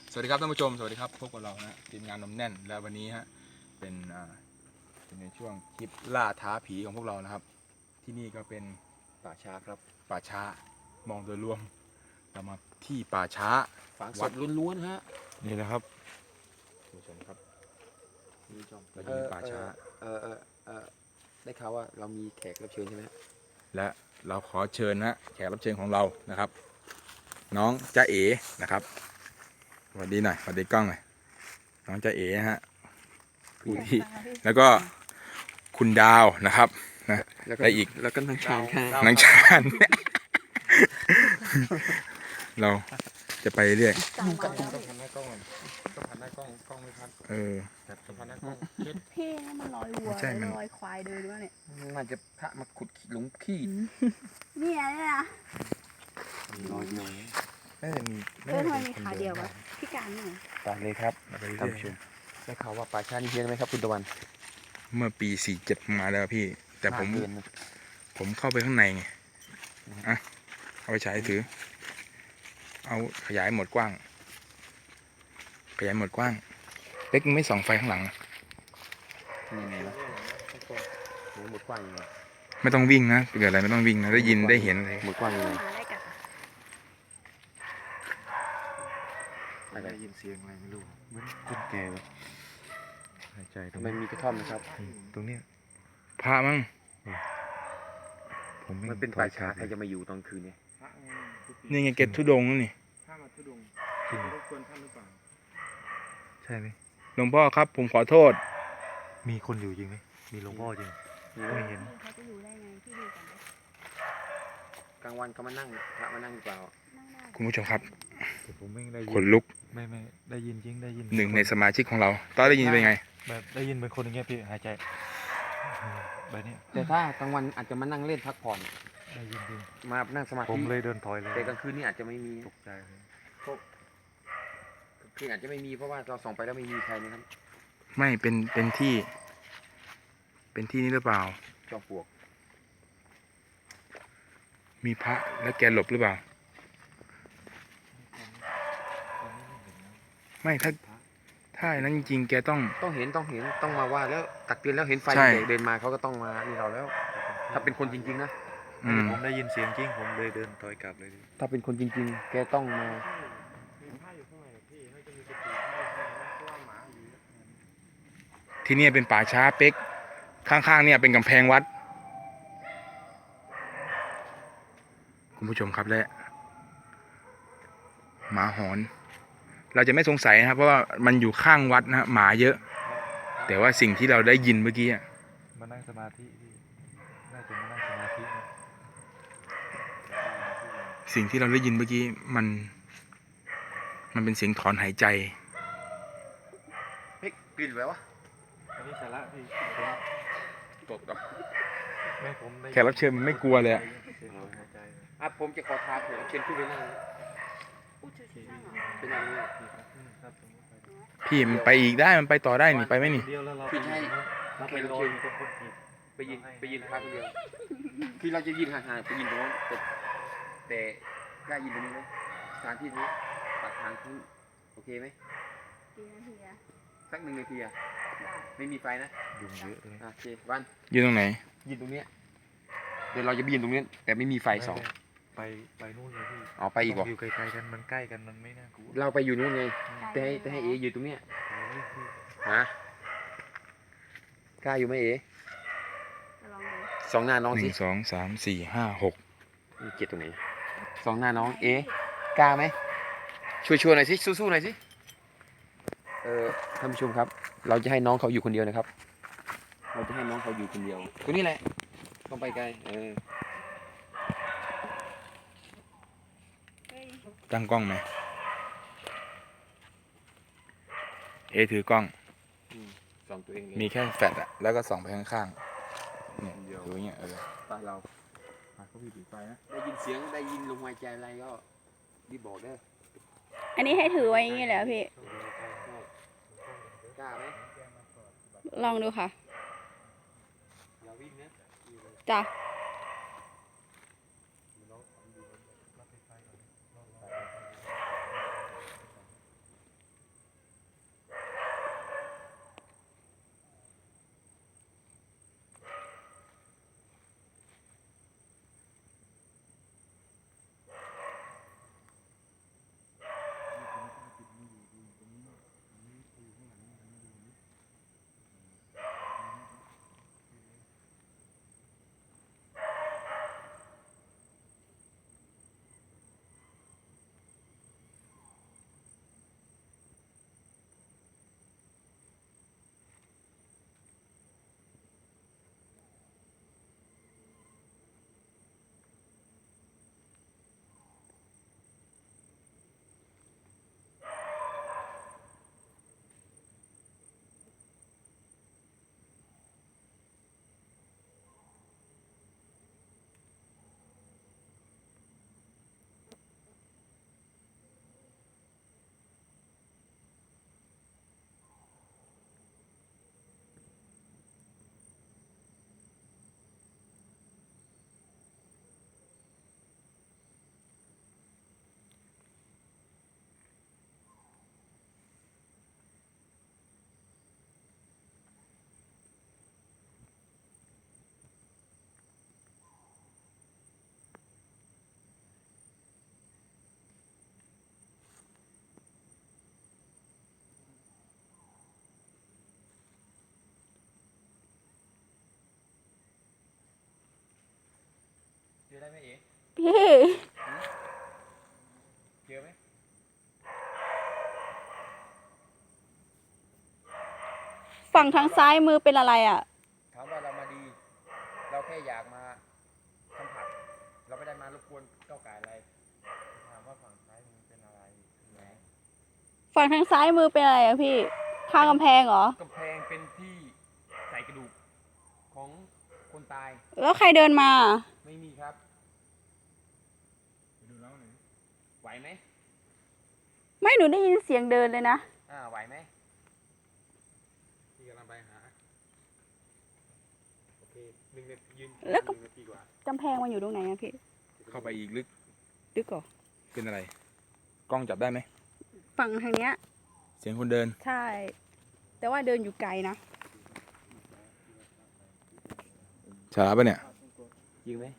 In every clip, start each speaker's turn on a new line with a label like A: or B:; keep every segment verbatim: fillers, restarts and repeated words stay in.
A: สวัสดีครับท่านผู้ชมสวัสดีครับพบกับเรานะทีมงานนมแน่นและวันนี้ฮะเป็นอ่าเป็นในช่วงคลิปล่าท้าผีของพวกเรานะครับ ที่นี่ก็เป็นป่าช้าครับป่าช้ามองโดยรวมเรามาที่ป่าช้า
B: ฝังศพล้วนๆฮะ
A: นี่นะครับท่านผู้ชมครับเราอยู่ในป่าช้า
B: เออเออเออได้ข่าวว่าเรามีแขกรับเชิญใช่ไหมฮะ
A: และเราขอเชิญนะแขกรับเชิญของเรานะครับ น้องจ๊ะเอ๋นะครับสวัสดีหน่อยสวัสดีกล้องหน่อยน้องจ๊ะเอ๋ฮะผู้ที่แล้วก็คุณดาวนะครับนะและอีก
B: แล้วก็นางชานค่ะ
A: นางชาญ เราจะไปเรื่อย
C: ต้องพัน
A: ต้องพันหน้ากล้องต้องพันหน้ากล้องกล้องไม่พันเออต้องพันหน้ากล้อง
C: พี่นี่มันลอยวัว
A: ใช่มัน
C: ลอยควายเดินด้วยเนี่ย
B: น่าจะพระมาขุดหลุมขี้
C: เนี่ยเนี่ยนะ
B: น้อยเดียว
A: น่าจะมี
C: เพื่อนทำไมมีขาเดียววะพี่การเนี่ย
B: ไปเลยครับ
A: เราไป
B: ท่าน
A: เรื่อย
B: ผู้ชมได้ข่าวว่าป่าชานี่เฮี้ยนไหมครับคุณตะวัน
A: เมื่อปีสี่เจ็ดมาแล้วพี่ แต่ผม
B: น่าเกินนะ
A: ผมเข้าไปข้างในไงอ่ะเอาไปฉายถือ เอาขยายหมดกว้าง ขยายหมดกว้างเล็กไม่ส่องไฟข้างหลัง
B: นี่ไงนะโอ้หมดกว้างยังไง
A: ไม่ต้องวิ่งนะเกิดอะไรไม่ต้องวิ่งนะได้ยินได้เห็นเลย
B: หมดกว้างยังไง
C: หาอะไรกัน
B: อะไร
D: ได้ยินเสียงอะไรไม่รู้เหมือนคนแก่แบบหายใจตรง
B: ทำไมมีกระท่อมนะครับ
D: ตรงเนี้ย
A: พระมั้ง
D: ผม
B: มันเป็นป่าช้าใครจะมาอยู่ตอนคืนเนี่ย
A: นี่ไงเกตทุดงค์นั่นนี่
D: จริงใช่ไหม
A: หลวงพ่อครับ ผมขอโทษ
D: มีคนอยู่จริงไหมมีหลวงพ่อจริงไม่เห็น
C: เขาจะอยู่ได้ไงพี่ดูกันนะ
B: กลางวันเขามานั่งพระมานั่งหรือเปล่า
C: นั่งได้
A: คุณผู้ชมครับ
D: แต่ผมไม่ได้ยิ
A: ขนลุก
D: ไม่ไม่ได้ยินจริงได้ยิน
A: หนึ่งในสมาชิกของเราตอนได้ยินเป็นไง
D: แบบได้ยินเป็นคนอย่างเงี้ยพี่หายใจแบบเนี้ย
B: แต่ถ้ากลางวันอาจจะมานั่งเล่นพักผ่อน
D: ได้ยินจริง
B: มานั่งสมา
D: ผม
B: ธิ
D: เลยเดินถอยเลย
B: แต่กลางคืนนี่อาจจะไม่มี
D: ตกใจเลย
B: คืออาจจะไม่มีเพราะว่าเราส่องไปแล้วไม่มีใครนะครับ
A: ไม่เป็นเป็นที่ เป็นที่นี่หรือเปล่า
B: จอมปลวก
A: มีพระแล้วแกหลบหรือเปล่า ไม่ถ้าถ้าอย่างนั้นจริงๆแกต้อง
B: ต้องเห็นต้องเห็นต้องมาว่าแล้วตักเตือนแล้วเห็นไฟ
A: ใช่
B: เด็กเดินมาเขาก็ต้องมานี่เราแล้ว ถ้าเป็นคนจริงๆนะ
A: อืม
D: ผมได้ยินเสียงจริงผมเลยเดินถอยกลับเลยดิ
B: ถ้าเป็นคนจริงๆ แกต้องมา
A: ที่เนี่ยเป็นป่าช้าเป๊กข้างๆเนี่ยเป็นกำแพงวัด คุณผู้ชมครับและหมาหอน เราจะไม่สงสัยนะครับ เพราะว่ามันอยู่ข้างวัดนะฮะหมาเยอะ แต่ว่าสิ่งที่เราได้ยินเมื่อกี้อะ
D: มานั่งสมาธิพี่น่าจะมานั่งสมาธินะ
A: สิ่งที่เราได้ยินเมื่อกี้มัน มันเป็นเสียงถอนหายใจ
B: เฮ้ยกลิ่นแล้ววะ
D: อันนี้สาระพี่ผม
B: ตกต่อ
D: แม่ผมได้
A: แขกรับเชิญมันไม่กลัวเลยอะ
D: เสียงหายใจเลย
B: อ่ะผมจะขอท้าเผื่อเชิญขึ้นไปนั่ง
C: อู้ชื่อชื่อเหรอ
B: เป็นอย่างนี้
D: ครับผมไป
A: พี่มันไปอีกได้มันไปต่อได้นี่ไปไหมนี่
D: เดียวแล้วเรา
B: พี่จะให้
D: เราไปรออยู่ตรงคนผิด
B: ไปยินไปยินพระคนเดียวคือเราจะยินห่างๆไปยินตรงนั้นแต่แต่กล้ายินตรงนี้ไหมสถานที่นี้ปากทางที่โอเคไหม
C: กี่นาทีอะ
B: สักหนึ่งนาทีอะ
C: ได้
B: ไม่มีไฟนะ
D: ยุงเยอะเลย
B: อ่ะโอเควัน
A: ยืนตรงไหน
B: ยินตรงเนี้ยเดี๋ยวเราจะไปยินตรงนี้แต่ไม่มีไฟสอง
D: ไปไปนู่นเลยพี่
B: อ๋อไปอีกเหรอ
D: ต้งอยู่ไกลๆกันมันใกล้กันมันไม่น่ากลัว
B: เราไปอยู่นู่นไงแต่ให้แต่ให้เออยู่ตรงเนี้ย
D: ไปเลยพี่
B: ฮะกล้าอยู่ไหมเอ
C: จะลองดู
B: สองหน้าน้อง
A: ห
B: สิ
A: นึ่งสองสามสี่ห้าหก
B: มีเกียรติตรงไหนสองหน้าน้องเอกล้าไหมช่วยช่วยหน่อยสิสู้ๆหน่อยสิเออท่านผู้ชมครับ เราจะให้น้องเขาอยู่คนเดียวนะครับ เราจะให้น้องเขาอยู่คนเดียวตัวนี้แหละต้องไปไกลเออ
C: เฮ้ย
A: ตั้งกล้องไหมเอถือกล้อง
B: สองตัวเองเลย
A: มีแค่แฟลชอะแล้วก็ส่องไปข้างๆเนี่ยดูอย่างเงี้ยเออ
B: ป้าเรา
A: พาเขาพี่ถือไฟนะ
B: ได้ยินเสียงได้ยินลมหายใจอะไรก็รีบบอกเด้อ
C: อันนี้ให้ถือไว้อย่างนี้เลยเหรอพี่
B: กล้าไหม
C: ลองดูค่ะ
B: อย่าวิ่งนะ
C: จ้ะ
B: ไหมเอ๋
C: พี่
B: เจอไหม
C: ฝั่งทางซ้ายมือเป็นอะไรอ่ะ
B: ถามว่าเรามาดี เราแค่อยากมาสัมผัส เราไม่ได้มารบกวนก้าวไก่อะไร
D: ถามว่าฝั่งซ้ายมันเป็นอะไรใช่ไหม
C: ฝั่งทางซ้ายมือเป็นอะไรอ่ะพี่ ข้างกำแพงเหรอ
B: กำแพงเป็นที่ใส่กระดูกของคนตาย
C: แล้วใครเดินมา
B: ไม่มีครับ
A: ไปดูน้องหน่อย
B: ไหวไหม
C: ไม่หนูได้ยินเสียงเดินเลยนะ
B: อ่าไหวไหม
A: พี่กำลังไปหา โอเคหนึ่งนาทียืน
C: แล้วก็
A: หนึ่งนาทีกว่า
C: กำแพงมันอยู่ตรงไหนอะพี่
A: เข้าไปอีกลึก
C: ดึกก่อ
A: เป็นอะไร กล้องจับได้ไหม
C: ฝั่งทางเนี้ย
A: เสียงคนเดิน
C: ใช่ แต่ว่าเดินอยู่ไกลนะ
A: ช้าปะเนี่ย
B: จริงไหม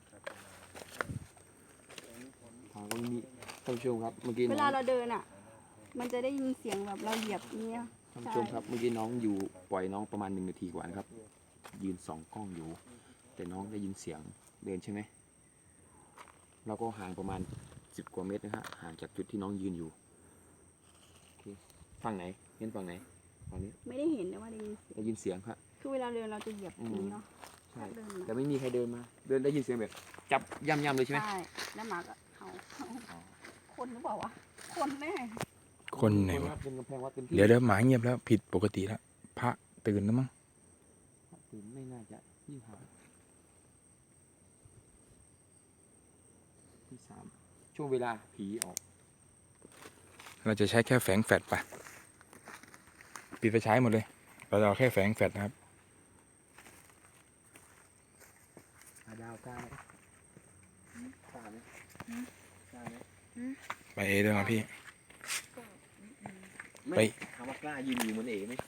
B: ถามว่ามีท่านผู้ชมครับ เมื่อกี้
C: เว
B: น้
C: ลา
B: อง
C: เราเดินอ่ะ มันจะได้ยินเสียงแบบเราเหยียบเนี้ย
B: ท่านผู้ชมครับ เมื่อกี้น้องอยู่ปล่อยน้องประมาณหนึ่งนาทีกว่านะครับ ยืนสองกล้องอยู่ แต่น้องได้ยินเสียงเดินใช่ไหมเราก็ห่างประมาณสิบกว่าเมตรนะฮะห่างจากจุดที่น้องยืนอยู่โอเคฝั่งไหนเห็นฝั่งไหนฝั่งนี้
C: ไม่ได้เห็นแต่ว่าได้ยินเสียง
B: ได้ยินเสียงครับ
C: คือเวลาเดินเราจะเหยียบตรงนี้เนาะ
B: ใช่
C: เดิน
B: แต่
C: มา
B: ไม่มีใครเดินมา เดินได้ยินเสียงแบบ จับย่ำๆเลยใช่ไหม
C: ใช่ แล้วหมาก็เห่าเห่าคนหรือเปล่าวะ คนแน่
A: คนไหน
B: ค
A: วะ
B: รับเป็นกำแพงวัดเป็นที่
A: เดี๋ยวเดี๋ยวหมาเงียบแล้วผิดปกติแล้ว พระตื่นแล้วมั้ง
B: ตื่นไม่น่าจะยิ่งหาที่สามช่วงเวลาผีออก
A: เราจะใช้แค่แฝงแฟลชไปปิดไฟฉายหมดเลย เราจะเอาแค่แฝงแฟลชนะครับ
B: หาดาวกล้าไหมกล้าไหมกล้าไหม
A: ไปเอเดินมาพี่
B: ไม่
A: ไป
B: ถามว่ากล้ายืนอยู่เหมือนเอ๋ไหม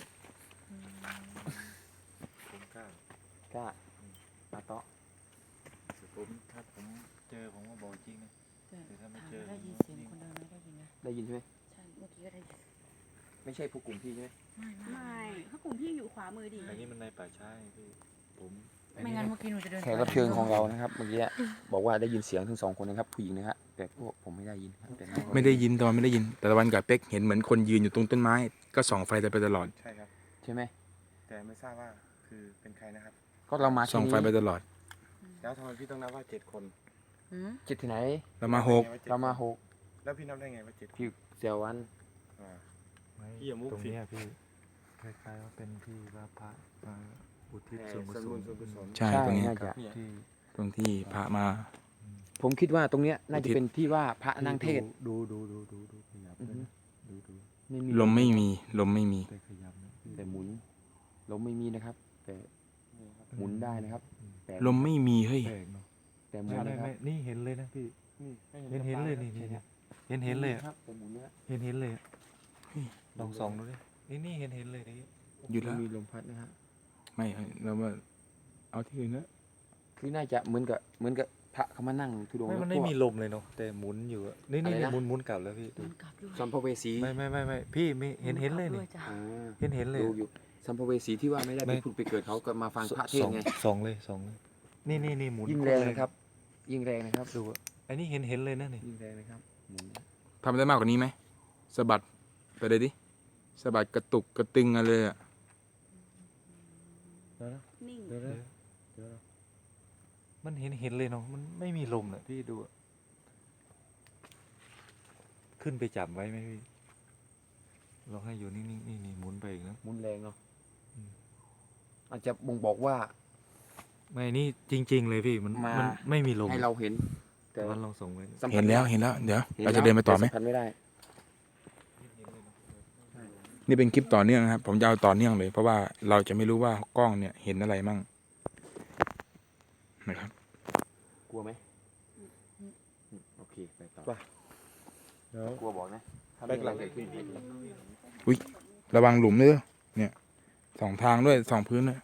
D: ผมกล้าก
B: ล้าปาเตาะ
D: แต่ผมถ้าผมเจอผมก็บอกจริงนะ
E: แต่
D: แต่ถ้าไม่
E: ถาม
D: เจอ
E: ว่าได้ยินเสียงคนเดินไหมได้ยินนะ
B: ได้ยินใช่ไหม
E: ใช่เมื่อกี้ก็ได้ยิน
B: ไม่ใช่พวกกลุ่มพี่ใช่ไหม
E: ไม่ไม่
C: ไม่ถ้ากลุ่มพี่อยู่ขวามือดิ
D: อันนี้มันในป่าช้าไงพี่ผม
E: ไม่งั้นเมื่อกี้หนูจะเดิน
B: แขกรับเชิญของเรานะครับเมื่อกี้บอกว่าได้ยินเสียงทั้งสองคนนะครับผู้หญิงนะฮะแต่พวกผมไม่ได้ยินครับแต่น้องเขา
A: ไม่ได้ยินตอนไม่ได้ยิน แต่ตะวันกับเป๊กเห็นเหมือนคนยืนอยู่ตรงต้นไม้ ก็ส่องไฟไปตลอด
D: ใช่ครับ
B: ใช่ไหม
D: แต่ไม่ทราบว่าคือเป็นใครนะครับ
B: ก็เรามา
A: ส่องไฟไปตลอด
D: แล้วทำไมพี่ต้องนับว่าเจ็ดคน
E: หืม
B: จิตที่ไหน
A: เรามาหก
B: เรามาหก
D: แล้วพี่นับได้ไงว่าเจ็ดคน
B: พี่เสียววัน
D: อ่า
F: ไม่
D: พี่อย่ามุก
F: ตรง
D: สิ
F: เนี้ยพี่คล้ายๆว่าเป็นที่ว่าพระมาอุทิศ
D: แผ่
F: ส่วนกุ
D: ส่วน
F: ศ
D: บุ
F: ล
D: ญส่วนกุศล
A: ใช่ตรงนี้
B: น่าจะ
D: เนี่ย
F: ที่
A: ตรงที่พระมา
B: ผมคิดว่าตรงเนี้ยน่าจะเป็นที่ว่าพระนั่งเทศน์
F: ดูดูดูดูดูขยับ
B: อือ
F: ด้วย
B: ฮึ
F: นะดูดู
B: ไม่มี
A: ลมไม่มี ลมไม่มี
F: แต่ขยับนะพี่
B: แต่หมุนลมไม่มีนะครับ แต่หมุนได้นะครับแต่
A: ลมไม่มีเฮ้ย
F: แปลกเนาะ
B: แต่หมุ
F: ไม่
B: น
F: ไม่
B: นะครั
F: ไม่
B: บ
F: นี่เห็นเลยนะพี่
B: นี่
F: เห็นเห็นเลยนี่นี่นี่เห็นเห็นเลยอะ
B: ครับแต่หมุนนะ
F: เห็นเห็นเลยอะ
A: เฮ้ย
F: ลองส่องดูดินี่นี่เห็นเห็นเลยนี่
A: หยุดแล้ว
B: มีลมพัดนะฮะ
A: ไม่เรามาเอาที่อื่นแล้ว
B: คือน่าจะเหมือนกับเหมือนกับพระเขามานั่งทุดงค์
F: ไม่
B: แล้ว
F: มันไม่
B: พวก
F: มีลมเลยเนาะแต่หมุนอยู่อะนี่นี่
B: อะไรนะ
F: หมุนหมุนกลับแล้วพี่ดู
E: มันกลับด้วย
B: สัมภเวสี
F: ไม่ไม่ไม่ไม่พี่ไม่เห็นเห็นเลยนี่
E: มักบด้วจ้ะ
B: อ่า
F: เห็นเห็นเลย
B: ดูอยู่สัมภเวสีที่ว่าไม่ได้
F: ไม่
B: ไปผุดไปเกิดเขาก็มาฟังพระเทศ
F: สอง
B: น์ไง
F: สองเลยสองเลยนี่นี่นี่หมุน
B: ยิ่งแรงนะครับ ยิ่งแรงนะครับ
F: ดูอะอันนี้เห็นเห็นเลยนะนี่
B: ยิ่งแรงนะครับหมุนนะ
A: ทำได้มากกว่านี้ไหมสะบัดไปเลยดิสะบัดกระตุกกระตึงอะไรอะ
F: เดี๋ยวนะ
C: นิ่ง
F: เดี๋ยวนะเดี๋ยวนะมันเห็นเห็นเลยเนาะมันไม่มีลมนะพี่ดูอะขึ้นไปจับไว้ไหมพี่ลองให้อยู่นิ่งๆนี่นี่หมุนไปอีกนะ
B: หมุนแรงเนาะ
F: อืม
B: อาจจะบ่งบอกว่า
F: ไม่นี่จริง ๆ เลยพี่มัน
B: มา
F: มันไม่มีลม
B: ให้เราเห็น แต่
F: แต่วันลองส่งไว้
B: สัมผัส
A: เห็นแล้วเห็นแล้ว เดี๋ยว
B: ห็น
A: เราจะเดินไปต่อไหม
B: สัมผัสไม่ได้
A: นี่เป็นคลิปต่อเนื่องนะครับ ผมจะเอาต่อเนื่องเลย เพราะว่าเราจะไม่รู้ว่ากล้องเนี่ยเห็นอะไรมั่งนะครับ
B: กลัวไหมอืมโอเคไปต่อ
F: เดี๋ยว
B: กลัวบอกนะถ้าไม่อะไรเกิดขึ้นให้ดู
A: ระวังหลุมด้วยเนี่ยสองทางด้วยสองพื้นด้วย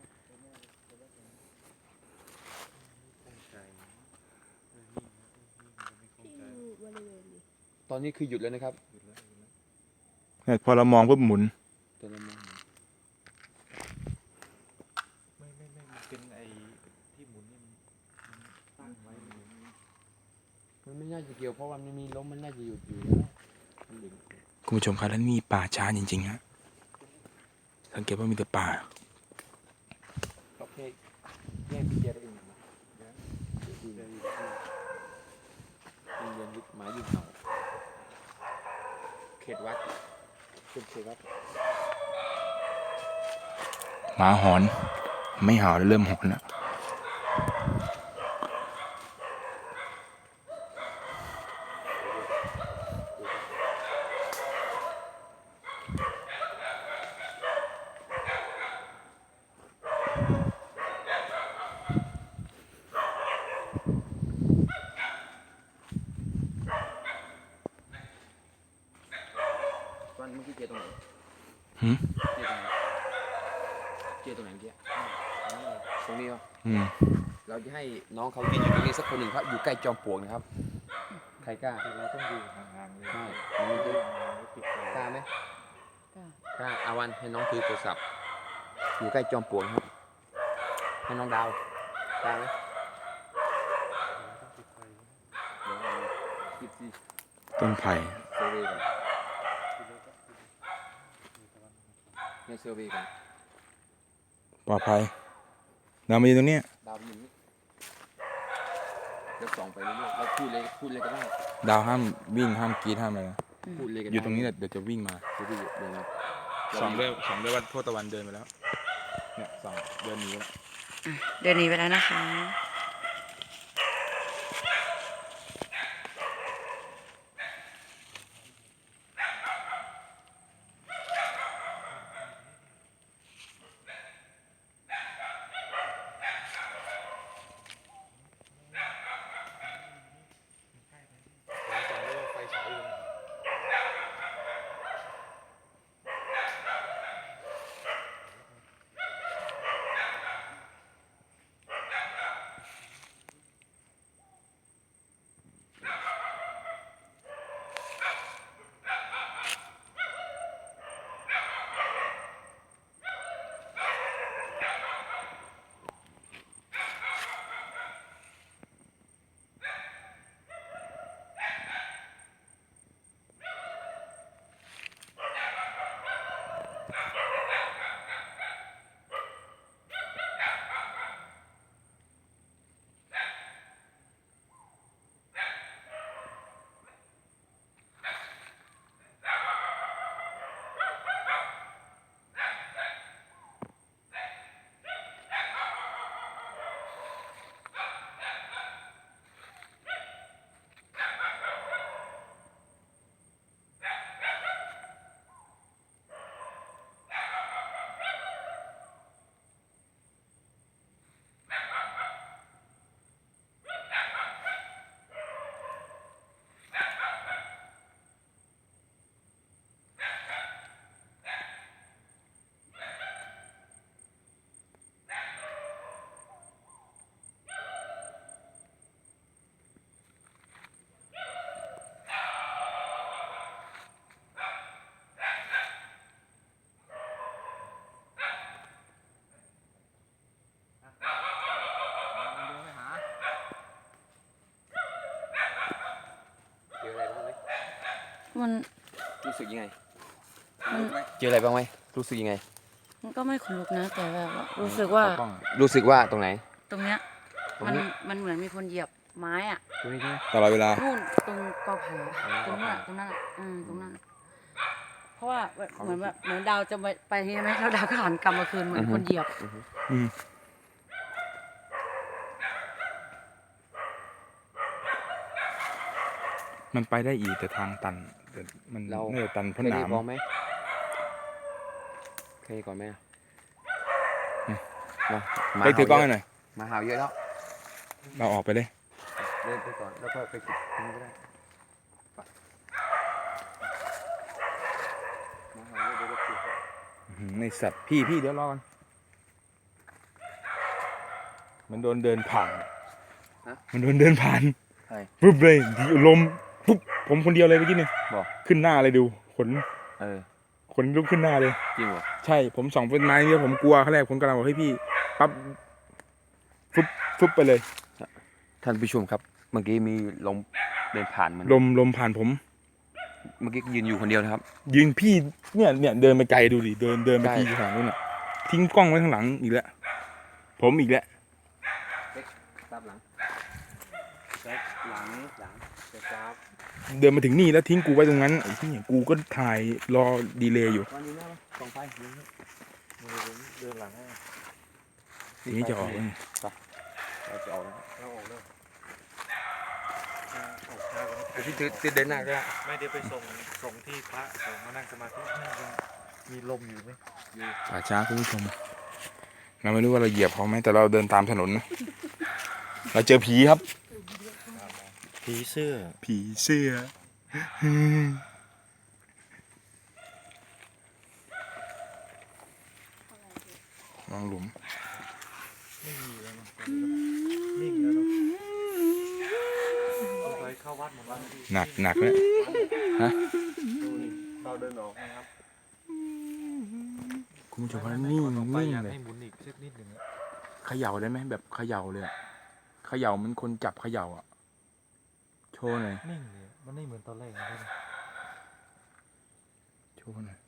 B: ตอนนี้คือหยุดแล้วนะครับ
A: เนี่ยพอเรามองปุ๊บหมุน
B: แต่เรามอง
F: ไม่ไม่ไม่มันเป็นไอ้ที่หมุนนี่มันมันตั้งไว้มัน
B: เกี่ยวเพราะว่ามันมีลมมันน่าจะหยุดอยู่แล้วมันดึง
A: คุณผู้ชมครับแล้วนี่มีป่าช้าจริงๆฮะสังเกตว่ามีแต่ป่า
B: โอเคแยกพี่เจได้เองนะดูเรียนยึดหมายยึดเห่าเขตวัดเป็นเขตวัด
A: หมาหอนไม่เห่าแล้วเริ่มหอนแล้ว
B: ตอนเมื่อกี้เจตรงไหน
A: หืม
B: เจตรงไหนเจตรงไหนเมื่อกี้ตรงนี้เหรอ
A: อืม
B: เราจะให้น้องเขายืนอยู่ตรงนี้สักคนหนึ่งครับอยู่ใกล้จอมปลวกนะครับใครกล้า
F: เราต้องอยู่ห่างๆเลย
B: ใช่มันจะ
F: ปิดไฟ
B: กล้าไหม
E: กล้า
B: กล้าอาวันให้น้องถือโทรศัพท์อยู่ใกล้จอมปลวกนะครับให้น้องดาวกล้าไหมเดี๋ยวเอาคลิปที่
A: ต้นไผ่
B: เซอร์เวย์ก่อนในเซอร์เวย์ก่อน
A: ปลอดภัยเรามาอยู่ตรงเนี้ย
B: ดาวยิงนี่แล้วส่องไปเรื่อยๆแล้วพูดเลยพูดเลยก็ได้
A: ดาวห้ามวิ่งห้ามกรีดห้ามอะไรนะ
B: พูดเลยก็ได้
A: อยู่ตรงนี้แหละเดี๋ยวจะวิ่งมา
B: เดี๋ยวดูเดี๋ยวนะ
A: สองด้วยสองด้วยว่าโทษตะวันเดินไปแล้วเนี่ยสองเดินหนีไปแล้ว
E: เดินหนีไปแล้วนะคะ
B: เจออะไรบ้างไหม
E: มัน
B: รู้สึกยังไง
E: มัน
B: เจออะไรบ้างไหมรู้สึกยังไง
E: มันก็ไม่ขนลุกนะ แต่แบบว่ารู้สึกว่า
A: เอล้องอะ
B: รู้สึกว่าตรงไหน
E: ตรงเนี้ย
B: ตรง
E: มัน
B: นี้
E: มันเหมือนมีคนเหยียบไม้อะ
B: ตรงนี้ใช่ไหม
A: ตลอดเวลา
E: นู่นตรงกอไผ่อะ
B: อ๋อ
E: ตรงนั้นอะตรงนั้นอะอืมตรงนั้นอะเพราะว่าแบบเหมือนแบบเหมือนดาวจะไปไปใช่ไหมแล้วดาวก็หันกลับมาคืนเหมือนคนเหยียบ
A: อืมมันไปได้อีกแต่ทางตันแต่มัน
B: เรา
A: น่าจะตันเพ
B: เค
A: ราะ
B: ย
A: ห
B: ได้
A: นาม
B: บอกไหมเคยก่อนไหมอะมาหมา
A: ไปถือกล้องให้
B: เยะ
A: หน่อย
B: หมาเห่าเยอะแล้ว
A: เราออกไปเลย
B: เดินไปก่อนแล้วก็ไปกินตรงนี้ก็ได้ไปหมาเห่าเยอะเดี๋ยวเราปลุก
A: อื้อหือในสัตว์พี่พี่เดี๋ยวรอกันมันโดนเดินผ่าน มันโดนเดินผ่าน
B: ใช่
A: ปุ๊บเลยดีลมปุ๊บผมคนเดียวเลยเมื่อกี้เนี่ย
B: บอก
A: ขึ้นหน้าเลยดูขน
B: เออ
A: ขนลุกขึ้นหน้าเลย
B: จริงเหรอ
A: ใช่ผมส่องเป็นไม้เนี่ยผมกลัวขั้นแรกผมกำลังบอกให้พี่ปั๊บฟุบฟุบไปเลย
B: ท่านผู้ชมครับเมื่อกี้มีลมเดินผ่านมัน
A: ลมลมผ่านผม
B: เมื่อกี้ยืนอยู่คนเดียวนะครับ
A: ยืนพี่เนี่ยเนี่ยเดินไปไกลดูดิเดินเดินไป
B: ใช่
A: ทีข้างหลังนู่นน่ะทิ้งกล้องไว้ข้างหลังอีกแล้วผมอีกแล้ว
B: ตามหลังเช็คหลังหลังเช็คครับ
A: เดินมาถึงนี่แล้วทิ้งกูไว้ตรงนั้นไอ้ที่กูก็ถ่ายรอดีเลย์อยู่
B: ตอนนี้นะส่องไฟนี่
F: มือผมเดินหลังให้
A: ทีนี้จะออกแล้วไง
B: เราจะออกแล้ว
F: เราออกแล้วออกช้ากัน
B: เดี๋ยวพี่ถือถือเดินหน้าก็ได้
F: ไม่เดี๋ยวไปส่งส่งที่พระส่งมานั่งสมาธินั่งกันมีลมอยู่ไหมอยู่
A: ป่าช้าคุณผู้ชมเราไม่รู้ว่าเราเหยียบเขาไหมแต่เราเดินตามถนนนะเราเจอผีครับ
F: ผีเสื้อ
A: ผีเสื้อลองหลุม
F: ไม่มีแล้วเนอะนิ่งแล้วเนาะเอาไปเข้าวัดหมดแล้วพี่
A: หนักหนักเลยฮะ
F: ดูนี่เราเดินออกนะครับ
A: คุณผู้ชมว่านิ่ง
F: ก่อออกไป
A: นิ่ง
F: อยาก
A: เลย
F: ให้หมุนอีกสักนิดหนึ่งอะ
A: เขย่าได้ไหมแบบเขย่าเลยอะเขย่ามันคนจับเขย่าอ่ะโชว์หน่อย
F: นิ่งเลยมันไม่เหมือนตอนแรกนะครับ
A: โชว์หน่อย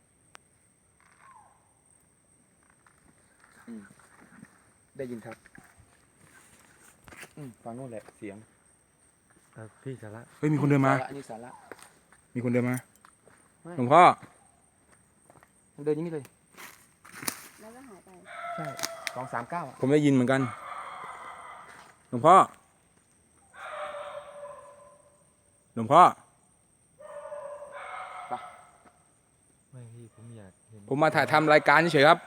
B: ได้ยินครับอืมฟังโน่นแหละเสียง
F: เอ่อพี่สาระ
A: เฮ้ยมีคนเดินมา
B: สระอันนี้สาระ
A: มีคนเดินมา
B: ไม่
A: หลวงพ่อ
B: มันเดินอย่างนี้เลย
C: แล้วก็หายไป
B: ใช่สองสามเก้า
A: ผมได้ยินเหมือนกันหลวงพ่อหลวงพ่อ
F: ไม่พี่ผมอยากเห็น
A: ผมมาถ่ายทำรายการเฉยๆครับ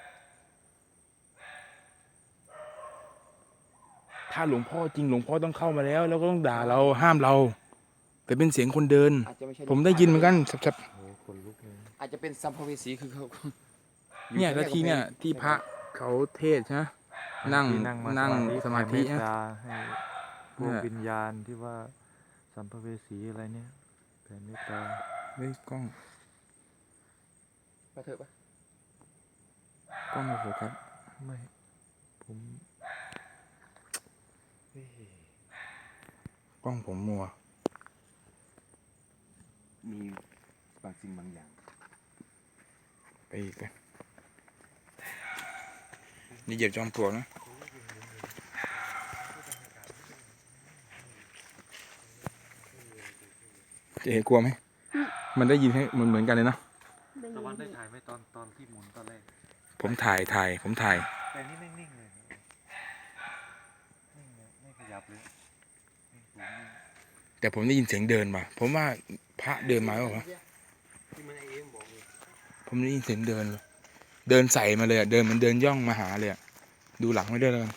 A: ถ้าหลวงพ่อจริงหลวงพ่อต้องเข้ามาแล้ว แล้วก็ต้องด่าเราห้ามเรา แต่เป็นเสียงคนเดิน
B: อาจจะไม่ใช่
A: ผมได้ยินเหมือนกันสับ
F: โอ้โหขนลุกเลย
B: อาจจะเป็นสัมภเวสีคือเขา
A: ๆเนี่ยแล้วที่เนี่ยที่พระเขาเทศใช่ไหมนั่ง
F: ที่
A: นั่งสมาธิ
F: แผ่เม
A: นะ
F: ตตาให้พว
A: เนี่
F: ก
A: ย
F: วิญญาณที่ว่าสัมภเวสีอะไรเนี่ยแผ่เมตตา
A: เฮ้ยกล้อง
B: ไปเถอะปะ
A: กล้องไม่โฟกัส
F: ไม่ผมเฮ้ย
A: กล้องผมมัว
B: มีบางสิ่งบางอย่าง
A: ไปอีกไปนี่เหยียบจอมปลวกนะเจ๊กลัวไหมมันได้ยินให้เหมือนเหมือนกันเลยเนาะ
C: ได้
F: ตะวันได้
C: ยิน
F: ถ่ายไหมตอนตอนที่หมุนตอนแรก
A: ผมถ่ายถ่ายผมถ่าย
F: แต่นี่นิ่งๆเลยนิ่งเลยไม่ขยับเลยนิ่งสูงนิ่ง
A: แต่ผมได้ยินเสียงเดินมา ผมว่าพระเดินมาหรือเปล่าวะ
B: ที่มันไอเอ็มบอกเลย
A: ผมได้ยินเสียงเดินเลยเดินใส่มาเลยอะเดินเหมันเดินย่องมาหาเลยอะดูหลังไม่ได้วยแล้วกัน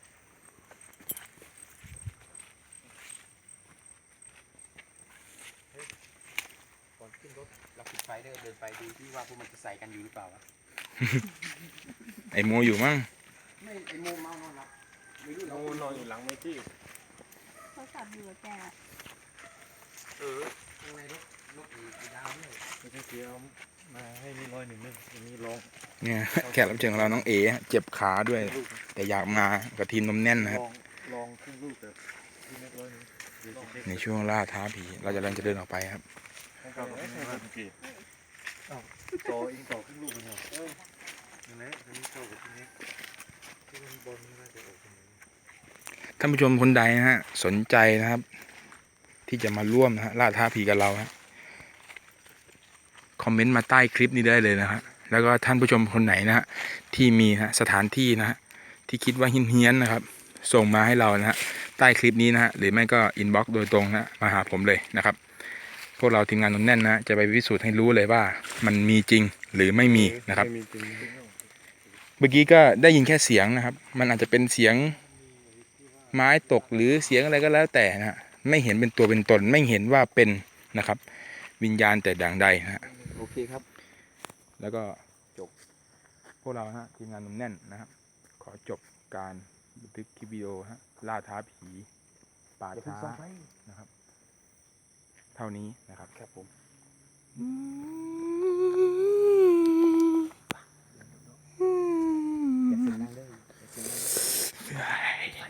B: ก่อนขึ้นรถเราปิดไฟเดินเดินไปดูที่ว่าพวกมันจะใส่กันอยู่หรือเปล่าวะ
A: ไอ้โมอยู่มั้ง
B: ไม่ไอโมเมานอนหลับไม่รู้เรา
F: โอ้นอนอยู่หลังเวที
C: เขาสับอยู่กับแก
B: เออข้างในรถรถอีกดาวด้วย
F: ไม่ใช่เกียวมาให้นี่ร้อยหนึ่งนึงอันนี้ลอง
A: เนี่ย แขกรับเชิญของเราน้องเอเจ็บขาด้วย
F: ลูก
A: แต่อยากมากับทีมนมแน่นนะครับ
F: ลองลองครึ่งลูกแบบที่เม็ดร้อยหนึ่งเดี๋ยวจะเช็ค
A: ในช่วงล่าท้าผี เราจะกำลังจะเดินออกไปครับ
F: ให้เขาให้เขาสังเกตอ้าวต่อเองต่อครึ่งลูกเลยเหรอเออนั่นแหละอันนี้เข้ากับที่นี้ที่มันบนนี่น่าจะออกตรงนี้
A: ท่านผู้ชมคนใดนะฮะสนใจนะครับ ที่จะมาร่วมนะฮะล่าท้าผีกับเราฮะคอมเมนต์มาใต้คลิปนี้ได้เลยนะฮะแล้วก็ท่านผู้ชมคนไหนนะฮะที่มีนะฮะสถานที่นะฮะที่คิดว่าเฮี้ยนๆนะครับ ส่งมาให้เรานะฮะใต้คลิปนี้นะฮะหรือไม่ก็อินบ็อกซ์โดยตรงนะมาหาผมเลยนะครับ พวกเราทีมงานนมแน่นนะจะไปพิสูจน์ให้รู้เลยว่ามันมีจริงหรือไม่มีนะครับ
F: ไม่มีจริง
A: เมื่อกี้ก็ได้ยินแค่เสียงนะครับ มันอาจจะเป็นเสียงไม้ตกหรือเสียงอะไรก็แล้วแต่นะฮะไม่เห็นเป็นตัวเป็นตน ไม่เห็นว่าเป็นนะครับ วิญญาณแต่ด่างใดนะฮะ
B: โอเคครับ
A: แล้วก็จบพวกเราฮะทีมงานนมแน่นนะครับ ขอจบการบันทึกคลิปวิดีโอฮะล่าท้าผีป่า
B: อย่าเพิ่ง
A: ช้า
B: ส่องไฟ
A: นะครับ เท่านี้นะครับ
B: ครับผม
A: อืม